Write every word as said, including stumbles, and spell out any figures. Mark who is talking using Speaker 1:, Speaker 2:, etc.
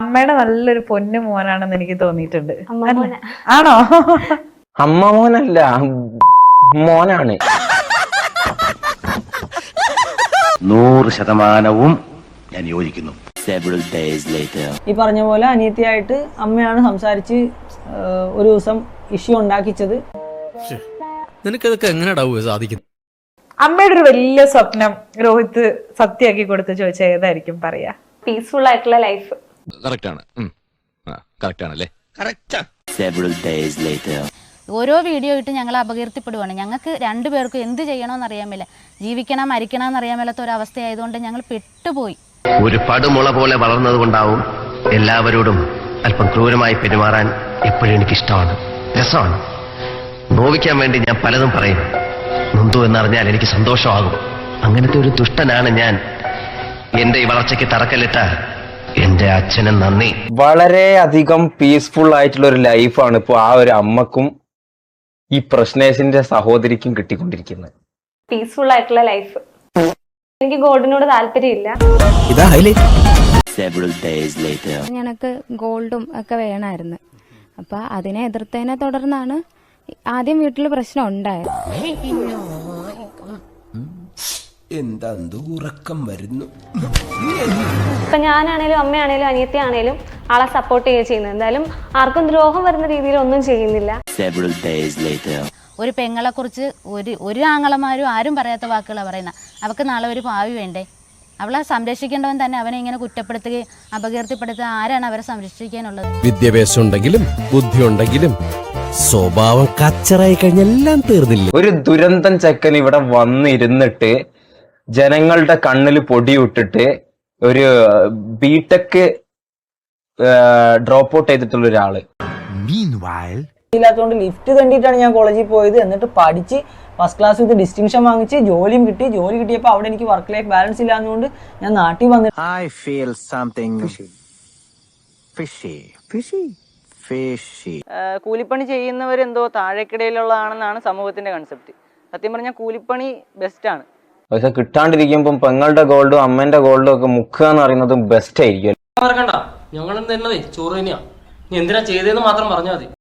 Speaker 1: അമ്മയുടെ നല്ലൊരു പൊന്നു മോനാണെന്ന് എനിക്ക് തോന്നിയിട്ടുണ്ട്.
Speaker 2: ആണോ?
Speaker 3: അമ്മ മോനല്ല, മോനാണ്.
Speaker 4: നൂറ് ശതമാനവും ഞാൻ യോജിക്കുന്നു.
Speaker 5: ഈ പറഞ്ഞ പോലെ അനിയത്തിയായിട്ട് അമ്മയാണ് സംസാരിച്ച് ഒരു ദിവസം ഇഷ്യൂ ഉണ്ടാക്കിച്ചത്.
Speaker 6: നിനക്കതൊക്കെ എങ്ങനെയാ സാധിക്കുന്നത്?
Speaker 1: അമ്മയുടെ ഒരു വലിയ സ്വപ്നം രോഹിത് സത്യമാക്കി കൊടുത്ത് ചോദിച്ചാൽ ഏതായിരിക്കും പറയാ?
Speaker 2: പീസ്ഫുൾ ആയിട്ടുള്ള ലൈഫ്.
Speaker 7: ഓരോ വീഡിയോ ഇട്ട് ഞങ്ങൾ അപകീർത്തിപ്പെടുവാണ്. ഞങ്ങൾക്ക് രണ്ടുപേർക്കും എന്ത് ചെയ്യണമെന്ന് അറിയാമില്ല, ജീവിക്കണം മരിക്കണം എന്നറിയാൻ മേലാത്ത ഒരു അവസ്ഥയായതുകൊണ്ട് ഞങ്ങൾ പെട്ടുപോയി.
Speaker 4: ഒരു പടുമുള പോലെ വളർന്നത് കൊണ്ടാവും എല്ലാവരോടും അല്പം ക്രൂരമായി പെരുമാറാൻ എപ്പോഴും എനിക്കിഷ്ടമാണ്, രസമാണ്. നോവിക്കാൻ വേണ്ടി ഞാൻ പലതും പറയും. നൊന്തു എന്നറിഞ്ഞാൽ എനിക്ക് സന്തോഷമാകും. അങ്ങനത്തെ ഒരു ദുഷ്ടനാണ് ഞാൻ. എന്റെ ഈ വളർച്ചയ്ക്ക് തറക്കല്ലിട്ട എന്റെ അച്ഛന് നന്ദി.
Speaker 3: വളരെ അധികം പീസ്ഫുൾ ആയിട്ടുള്ള ഒരു ലൈഫാണ് ഇപ്പൊ ആ ഒരു അമ്മക്കും ഈ പ്രശ്നേഷിന്റെ സഹോദരിക്കും കിട്ടിക്കൊണ്ടിരിക്കുന്നത്.
Speaker 2: പീസ്ഫുൾ ആയിട്ടുള്ള ലൈഫ്. എനിക്ക് ഗോൾഡിനോട് താല്പര്യമില്ല.
Speaker 8: ഞങ്ങൾക്ക് ഗോൾഡും ഒക്കെ വേണമായിരുന്നു. അപ്പൊ അതിനെ എതിർത്തതിനെ തുടർന്നാണ് ആദ്യം വീട്ടിൽ പ്രശ്നം ഉണ്ടായത്.
Speaker 9: എന്താ ഉറക്കം വരുന്നു.
Speaker 2: ഇപ്പൊ ഞാനാണേലും അമ്മയാണേലും അനിയത്തിയാണേലും ആളെ സപ്പോർട്ട് ചെയ്യുക ചെയ്യുന്നത്. എന്തായാലും ആർക്കും ദ്രോഹം വരുന്ന രീതിയിൽ ഒന്നും ചെയ്യുന്നില്ല.
Speaker 7: ഒരു പെങ്ങളെ കുറിച്ച് ഒരു ഒരു ആങ്ങളമാരും ആരും പറയാത്ത വാക്കുകളാണ് പറയുന്നത്. അവൾക്ക് നാളെ ഒരു ഭാവി വേണ്ടേ? അവളെ സംരക്ഷിക്കേണ്ടവൻ തന്നെ അവനെ ഇങ്ങനെ കുറ്റപ്പെടുത്തുകയും അപകീർത്തിപ്പെടുത്തുക. ആരാണ് അവരെ സംരക്ഷിക്കാനുള്ളത്?
Speaker 6: വിദ്യാഭ്യാസം ഉണ്ടെങ്കിലും ബുദ്ധി ഉണ്ടെങ്കിലും സ്വഭാവം കച്ചറായി കഴിഞ്ഞെല്ലാം തീർന്നില്ല.
Speaker 3: ഒരു ദുരന്തം ചെക്കൻ ഇവിടെ വന്നിരുന്നിട്ട് ജനങ്ങളുടെ കണ്ണിൽ പൊടിയിട്ടിട്ട് ഒരു ബിടെക് ഡ്രോപ്പ് ഔട്ട് ചെയ്തിട്ടുള്ള ഒരാള്.
Speaker 5: ഇല്ലാത്തതുകൊണ്ട് ലിഫ്റ്റ് തണ്ടിയിട്ടാണ് ഞാൻ കോളേജിൽ പോയത്. എന്നിട്ട് പഠിച്ച് ഫസ്റ്റ് ക്ലാസ് വിത്ത് ഡിസ്റ്റിങ്ഷൻ വാങ്ങിച്ച് ജോലിയും കിട്ടി. ജോലി കിട്ടിയപ്പോൾ അവിടെ എനിക്ക് വർക്ക് ലൈഫ് ബാലൻസ് ഇല്ലാത്തതുകൊണ്ട് ഞാൻ നാട്ടിൽ വന്നു.
Speaker 9: I feel something fishy. Fishy? Fishy.
Speaker 5: കൂലിപ്പണി ചെയ്യുന്നവരെന്തോ താഴേക്കിടയിലുള്ളതാണെന്നാണ് സമൂഹത്തിന്റെ കൺസെപ്റ്റ്. സത്യം പറഞ്ഞാൽ കൂലിപ്പണി ബെസ്റ്റാണ്.
Speaker 3: പക്ഷെ കിട്ടാണ്ടിരിക്കുമ്പം പെങ്ങളുടെ ഗോൾഡും അമ്മേന്റെ ഗോൾഡും ഒക്കെ മുക്കുക എന്ന് പറയുന്നത് ബെസ്റ്റ് ആയിരിക്കും.
Speaker 10: മറക്കണ്ട, ഞങ്ങളും തന്നതേ ചോറ് തന്നെയാ. നീ എന്തിനാ ചെയ്തതെന്ന് മാത്രം പറഞ്ഞാൽ മതി.